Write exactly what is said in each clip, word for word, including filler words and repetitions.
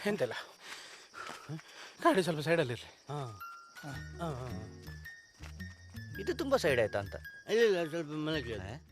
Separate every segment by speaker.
Speaker 1: ಎಂತೆಲ್ಲ ಗಾಡಿ ಸ್ವಲ್ಪ ಸೈಡಲ್ಲಿರಲಿ.
Speaker 2: ಇದು ತುಂಬಾ ಸೈಡ್ ಆಯ್ತಾ ಅಂತ.
Speaker 3: ಇಲ್ಲ ಸ್ವಲ್ಪ ಮನೆಗೆ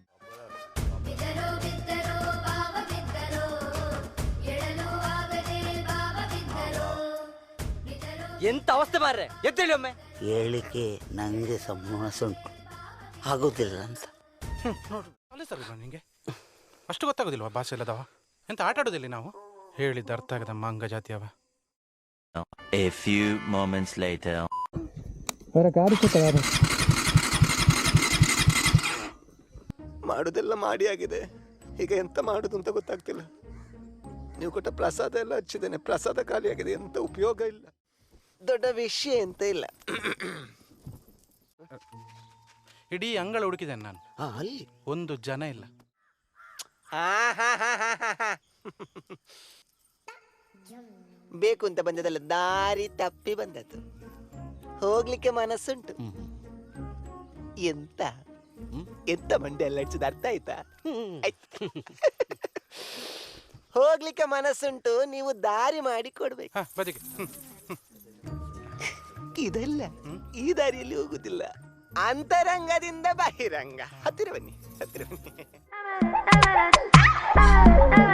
Speaker 2: ಎಂತ ಅವಸ್ಥೆ ಮಾರ್ರೆ, ಎದ್ದೇಳಿ ಒಮ್ಮೆ.
Speaker 3: ಹೇಳಿಕೆ ನಂಗೆ ಸಮೋಸ ಉಂಟು ಆಗೋದಿಲ್ಲ ಅಂತ.
Speaker 1: ನೋಡು ಅಲ್ಲೇ ಸರ್ ನಿಂಗೆ ಅಷ್ಟು ಗೊತ್ತಾಗೋದಿಲ್ವಾ ಭಾಷೆ ಇಲ್ಲದವ? ಎಂತ ಆಟ ಆಡೋದಿಲ್ಲ ನಾವು ಹೇಳಿದ್ದ ಅರ್ಥ ಆಗದ ಮಂಗ ಜಾತಿ ಅವ.
Speaker 4: A few moments later.
Speaker 5: ಮಾಡುದೆಲ್ಲ ಮಾಡಿ ಆಗಿದೆ, ಈಗ ಎಂತ ಮಾಡುದು ಅಂತ ಗೊತ್ತಾಗ್ತಿಲ್ಲ. ನೀವು ಕೊಟ್ಟ ಪ್ರಸಾದ ಎಲ್ಲ ಹಚ್ಚಿದ್ದೇನೆ, ಪ್ರಸಾದ ಖಾಲಿ ಆಗಿದೆ, ಎಂತ ಉಪಯೋಗ ಇಲ್ಲ. ದೊಡ್ಡ ವಿಷಯ ಎಂತ ಇಲ್ಲ.
Speaker 1: ಇಡೀ ಅಂಗಳ ಹುಡುಕಿದ್ದೇನೆ ನಾನು,
Speaker 5: ಅಲ್ಲಿ
Speaker 1: ಒಂದು ಜನ ಇಲ್ಲ.
Speaker 5: ಬೇಕು ಅಂತ ಬಂದದಲ್ಲ, ದಾರಿ ತಪ್ಪಿ ಬಂದದ್ದು. ಹೋಗ್ಲಿಕ್ಕೆ ಮನಸ್ಸುಂಟು. ಎಂತ ಎಂತ ಮಂಡೆ ಎಲ್ಲ ಹಚ್ಚಿದ ಅರ್ಥ ಆಯ್ತಾ? ಹೋಗ್ಲಿಕ್ಕೆ ಮನಸ್ಸುಂಟು, ನೀವು ದಾರಿ ಮಾಡಿ ಕೊಡ್ಬೇಕು.
Speaker 1: ಬದಿಗೆ
Speaker 5: ಇದಲ್ಲ, ಈ ದಾರಿಯಲ್ಲಿ ಹೋಗುದಿಲ್ಲ, ಅಂತರಂಗದಿಂದ ಬಹಿರಂಗ. ಹತ್ತಿರ ಬನ್ನಿ, ಹತ್ತಿರ ಬನ್ನಿ.